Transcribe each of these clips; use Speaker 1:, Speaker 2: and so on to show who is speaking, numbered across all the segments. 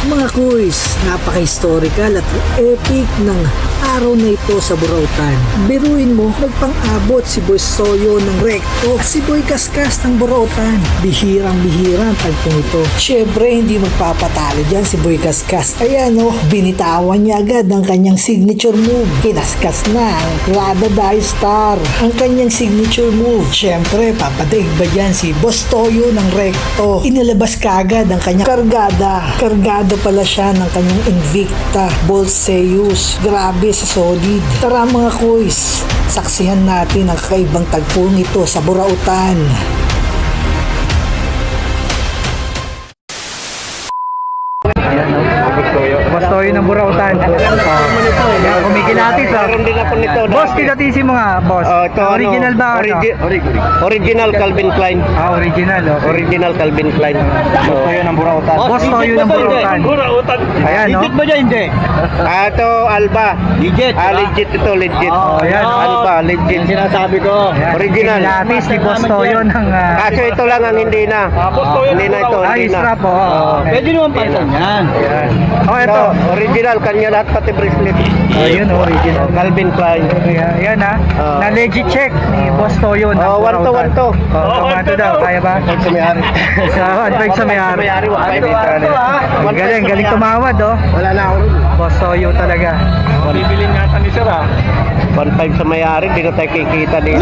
Speaker 1: Mga kuys, napaka-historical at epic ng araw na ito sa Burautan. Biruin mo, nagpang-abot si Boy Soyo ng Recto at si Boy Kaskas ng Burautan. Bihirang-bihira ang tagpong ito. Syempre, hindi magpapatalo dyan si Boy Kaskas. Ayan o, binitawan niya agad ang kanyang signature move. Kinaskas na ang Rada Die Star. Ang kanyang signature move. Syempre, papadaig ba dyan si Boss Toyo ng Recto? Inilabas kaagad ang kanyang kargada. Kargada pala siya ng kanyang Invicta Bolseus. Grabe sa solid. Tara mga kuys, saksihan natin ang kakaibang tagpong ito sa Burautan.
Speaker 2: Boss Toyo ng Burautan. Yan, kumikilatis ah.
Speaker 3: Meron din ako nito.
Speaker 2: Boss, kilatisin mo nga, boss.
Speaker 3: Ito,
Speaker 2: Original ba?
Speaker 3: Original Calvin Klein.
Speaker 2: Original. Okay.
Speaker 3: Original Calvin Klein.
Speaker 2: Boss Toyo ng Burautan. Boss Toyo ng Burautan. Ayan, no?
Speaker 4: Legit ba dyan? Hindi.
Speaker 3: Ito, Alba.
Speaker 4: Legit.
Speaker 3: Legit ito, legit.
Speaker 2: Ayan.
Speaker 3: Alba, legit.
Speaker 4: Sinasabi ko.
Speaker 2: Ayan,
Speaker 3: Original.
Speaker 2: Kilatis ni Boss Toyo ng...
Speaker 3: Kaso ito lang ang hindi na. Hindi na ito, hindi na.
Speaker 2: strap, okay.
Speaker 4: Pwede naman palitan yan.
Speaker 2: Ayan. Oh,
Speaker 3: Ito,
Speaker 2: ito.
Speaker 3: original. Kanya lahat pati bracelet.
Speaker 2: Ayun, original.
Speaker 3: Calvin Klein.
Speaker 2: Ayan ha. Na legit check ni Boss Toyo ng
Speaker 3: One to, one to.
Speaker 2: Tomato daw, kaya ba?
Speaker 3: Sa may-ari.
Speaker 2: Sa 1.5 sa may-ari.
Speaker 3: May-ari, 1.5.
Speaker 2: Galing tumawad oh.
Speaker 3: Wala na ako.
Speaker 2: Boss Toyo talaga.
Speaker 4: Bibilin nga ni Sir ah.
Speaker 3: 1.5 sa may-ari, di na tayo kikita dito.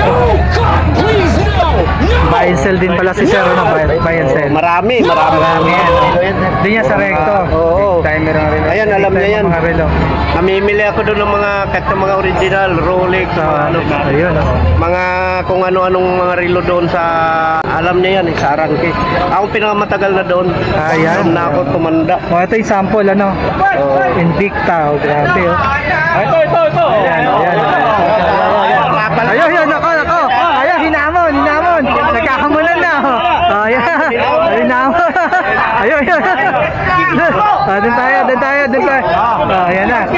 Speaker 2: Buy and sell din pala si Sir, no? Buy and sell.
Speaker 3: Marami.
Speaker 2: Marami yan. Doon yan sa Recto.
Speaker 3: Oo.
Speaker 2: Timer ng relo.
Speaker 3: Ayan, alam niya yan.
Speaker 2: Mga relo.
Speaker 3: Namimili ako doon ng mga kahit ng mga original, Rolex, ano,
Speaker 2: Ayun.
Speaker 3: mga kung ano-anong mga relo doon sa, alam niya yan, sa Arangke. Ako pinakamatagal na doon.
Speaker 2: Ayan.
Speaker 3: Doon na ako tumanda.
Speaker 2: Oh, ito yung sample, ano? Invicta. Oh, grabe, oh.
Speaker 4: Ito.
Speaker 2: Ayan. Ayun, ako. Ayan, hinamon. Nagkakamulan na, oh. Ayan. Hinamon. Ayun. Doon tayo. Ayan na.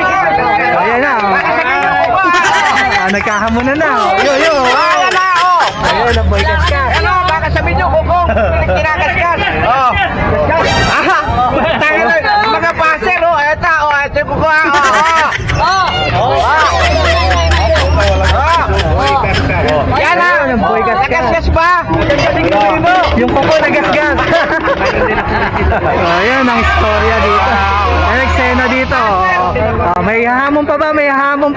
Speaker 2: Nagkakamulan na, oh. Ayun, ang boy Kaskas.
Speaker 3: Baka sabihin nyo, kukong, kinagasgas. Tayo na, mga paser, ito yung kukuha, Yan na!
Speaker 2: Ang boy Kaskas.
Speaker 3: Nagasgas ba?
Speaker 2: Yung kuko nagasgas. Ayan ang istorya dito. Ay, eksena dito. May hamon pa ba? May hamon.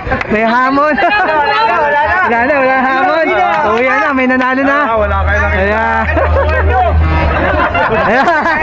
Speaker 2: Wala hamon. Yan na, may nanalo na.
Speaker 4: Wala kayo lang.
Speaker 2: Ayan.